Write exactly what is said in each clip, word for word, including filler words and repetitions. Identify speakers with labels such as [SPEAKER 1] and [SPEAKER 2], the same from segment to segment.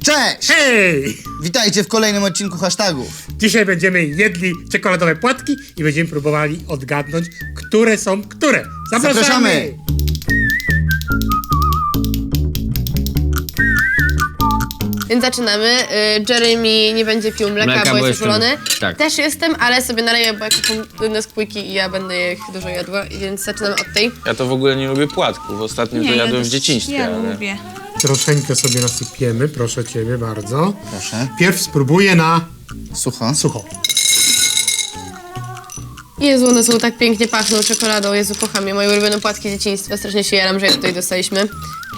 [SPEAKER 1] Cześć!
[SPEAKER 2] Hej!
[SPEAKER 1] Witajcie w kolejnym odcinku hashtagów.
[SPEAKER 2] Dzisiaj będziemy jedli czekoladowe płatki i będziemy próbowali odgadnąć, które są które. Zapraszamy!
[SPEAKER 1] Zapraszamy!
[SPEAKER 3] Więc zaczynamy. Y, Jeremy nie będzie pił mleka,
[SPEAKER 4] Mleka,
[SPEAKER 3] bo
[SPEAKER 4] bo
[SPEAKER 3] jest
[SPEAKER 4] jestem-
[SPEAKER 3] uczulony.
[SPEAKER 4] tak.
[SPEAKER 3] Też jestem, ale sobie naleję, bo jak są Nesquiki i ja będę ich dużo jadła, więc zaczynamy od tej.
[SPEAKER 5] Ja to w ogóle nie lubię płatków. Ostatnio to jadłem w dzieciństwie,
[SPEAKER 6] Ja
[SPEAKER 5] ale...
[SPEAKER 6] lubię.
[SPEAKER 2] Troszeczkę sobie nasypiemy, proszę ciebie bardzo.
[SPEAKER 1] Proszę.
[SPEAKER 2] Pierw spróbuję na
[SPEAKER 1] Sucho.
[SPEAKER 2] sucho.
[SPEAKER 3] Jezu, one są tak pięknie pachną czekoladą. Jezu, kocham je. Moje ulubione płatki dzieciństwa. Strasznie się jaram, że je tutaj dostaliśmy.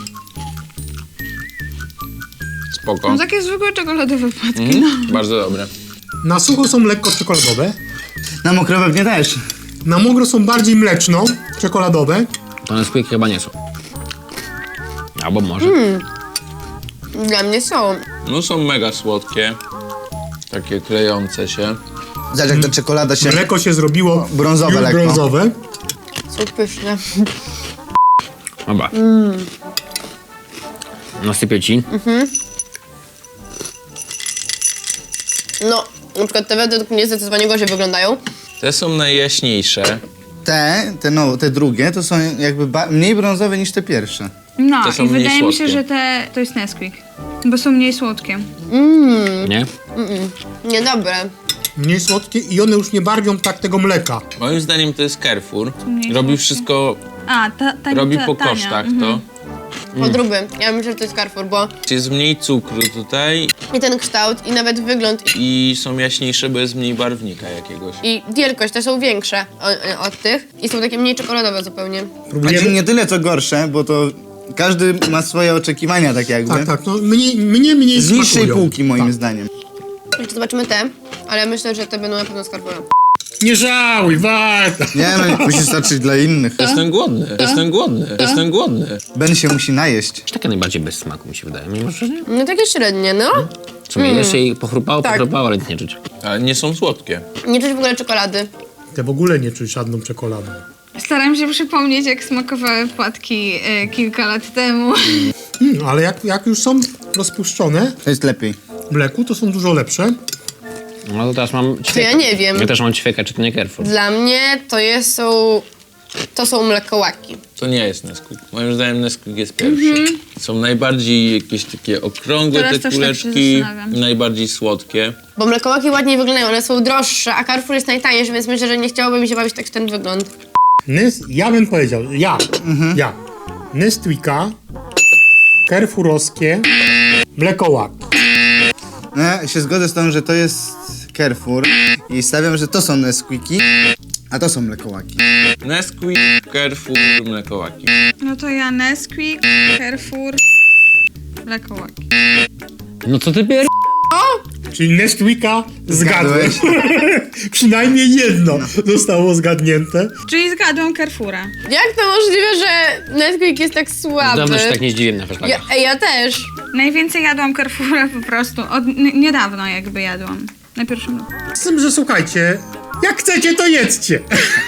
[SPEAKER 5] Spoko.
[SPEAKER 6] No takie zwykłe czekoladowe płatki,
[SPEAKER 5] Mhm.
[SPEAKER 6] no.
[SPEAKER 5] Bardzo dobre.
[SPEAKER 2] Na sucho są lekko czekoladowe.
[SPEAKER 1] Na mokro pewnie też.
[SPEAKER 2] Na mokro są bardziej mleczno-czekoladowe.
[SPEAKER 4] To Nesquik chyba nie są. Albo może.
[SPEAKER 3] Dla mnie są.
[SPEAKER 5] No są mega słodkie. Takie klejące się.
[SPEAKER 1] Zobacz jak ta czekolada się...
[SPEAKER 2] Mleko się zrobiło
[SPEAKER 1] brązowe
[SPEAKER 2] już
[SPEAKER 1] lekko.
[SPEAKER 2] brązowe.
[SPEAKER 3] Są pyszne.
[SPEAKER 4] Dobra. Nasypię ci.
[SPEAKER 3] No, na przykład te według mnie zdecydowanie gorzej wyglądają.
[SPEAKER 5] Te są najjaśniejsze.
[SPEAKER 1] Te, te, no, te drugie to są jakby ba- mniej brązowe niż te pierwsze.
[SPEAKER 6] No
[SPEAKER 5] Te są
[SPEAKER 6] i
[SPEAKER 5] mniej
[SPEAKER 6] wydaje mi się,
[SPEAKER 5] słodkie.
[SPEAKER 6] że te to jest Nesquik, bo są mniej słodkie.
[SPEAKER 4] Nie?
[SPEAKER 3] Niedobre.
[SPEAKER 2] Mniej słodkie i one już nie barwią tak tego mleka.
[SPEAKER 5] Moim zdaniem to jest Carrefour.
[SPEAKER 6] mniej
[SPEAKER 5] Robi
[SPEAKER 6] słodkie.
[SPEAKER 5] wszystko,
[SPEAKER 6] A, ta, ta,
[SPEAKER 5] robi
[SPEAKER 6] ta,
[SPEAKER 5] po
[SPEAKER 6] tania.
[SPEAKER 5] kosztach
[SPEAKER 6] Mhm.
[SPEAKER 5] to.
[SPEAKER 3] Podróby. Ja myślę, że to jest Carrefour, bo
[SPEAKER 5] Jest mniej cukru tutaj
[SPEAKER 3] i ten kształt, i nawet wygląd,
[SPEAKER 5] i są jaśniejsze, bo jest mniej barwnika jakiegoś.
[SPEAKER 3] i wielkość te są większe od, od tych. I są takie mniej czekoladowe zupełnie.
[SPEAKER 1] Znaczy
[SPEAKER 2] Próbujemy?
[SPEAKER 1] nie tyle co gorsze, bo to każdy ma swoje oczekiwania tak jakby.
[SPEAKER 2] Tak, tak. No, mnie, mnie mniej
[SPEAKER 1] Z niższej
[SPEAKER 2] smakują.
[SPEAKER 1] półki moim
[SPEAKER 2] Tak.
[SPEAKER 1] zdaniem.
[SPEAKER 3] Jeszcze zobaczymy te, ale myślę, że te będą na pewno z Carrefoura.
[SPEAKER 2] Nie żałuj, warto.
[SPEAKER 1] Nie no, musi starczyć dla innych.
[SPEAKER 5] Jestem głodny, jestem głodny, jestem głodny.
[SPEAKER 1] Ben się musi najeść.
[SPEAKER 4] Takie najbardziej bez smaku mi się wydaje. Mimo, że nie.
[SPEAKER 3] No takie średnie, no.
[SPEAKER 4] W sumie jeszcze jej pochrupało,
[SPEAKER 3] Tak.
[SPEAKER 4] pochrupało, ale nic nie czuć.
[SPEAKER 5] Ale nie są słodkie.
[SPEAKER 3] Nie czuć w ogóle czekolady.
[SPEAKER 2] Te w ogóle nie czuć żadną czekoladą.
[SPEAKER 6] Staram się przypomnieć, jak smakowały płatki e, kilka lat temu.
[SPEAKER 2] Hmm, ale jak, jak już są rozpuszczone
[SPEAKER 1] To jest lepiej.
[SPEAKER 2] w mleku, to są dużo lepsze.
[SPEAKER 4] No to teraz mam
[SPEAKER 3] To ja nie wiem.
[SPEAKER 4] Ja też mam ćwieka, czy to nie Carrefour.
[SPEAKER 3] Dla mnie to jest, są... To są mlekołaki.
[SPEAKER 5] To nie jest Nesquik. Moim zdaniem Nesquik jest pierwszy. Są najbardziej jakieś takie okrągłe
[SPEAKER 6] Teraz
[SPEAKER 5] te
[SPEAKER 6] też tak się
[SPEAKER 5] kuleczki,
[SPEAKER 6] zastanawiam.
[SPEAKER 5] najbardziej słodkie.
[SPEAKER 3] Bo mlekołaki ładniej wyglądają, one są droższe, a Carrefour jest najtańszy, więc myślę, że nie chciałoby mi się bawić tak w ten wygląd.
[SPEAKER 2] Nys, ja bym powiedział, ja, ja. Nesquika, Carrefourowskie, mlekołaki.
[SPEAKER 1] No, ja się zgodzę z tą, że to jest Carrefour i stawiam, że to są Nesquiki, a to są mlekołaki.
[SPEAKER 5] Nesquik, Carrefour, mlekołaki.
[SPEAKER 6] No to ja Nesquik, Carrefour, mlekołaki.
[SPEAKER 4] No co ty pier...
[SPEAKER 2] Czyli Nesquika zgadłeś.
[SPEAKER 1] Zgadłeś.
[SPEAKER 2] Przynajmniej jedno zostało zgadnięte.
[SPEAKER 6] Czyli zgadłam Carrefoura.
[SPEAKER 3] Jak to możliwe, że Nesquik jest tak słaby?
[SPEAKER 4] Dawno się tak nie zdziwiłem na
[SPEAKER 3] Ja,
[SPEAKER 4] hashtagach.
[SPEAKER 3] ej, ja też.
[SPEAKER 6] Najwięcej jadłam Carrefoura po prostu. Od n- niedawno jakby jadłam. Na pierwszym roku.
[SPEAKER 2] Z tym, że słuchajcie, jak chcecie, to jedzcie.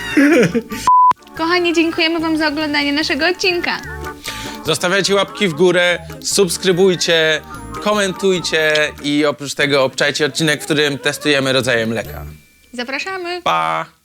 [SPEAKER 6] Kochani, dziękujemy wam za oglądanie naszego odcinka.
[SPEAKER 5] Zostawiajcie łapki w górę, subskrybujcie, komentujcie i oprócz tego obczajcie odcinek, w którym testujemy rodzaje mleka.
[SPEAKER 6] Zapraszamy.
[SPEAKER 5] Pa!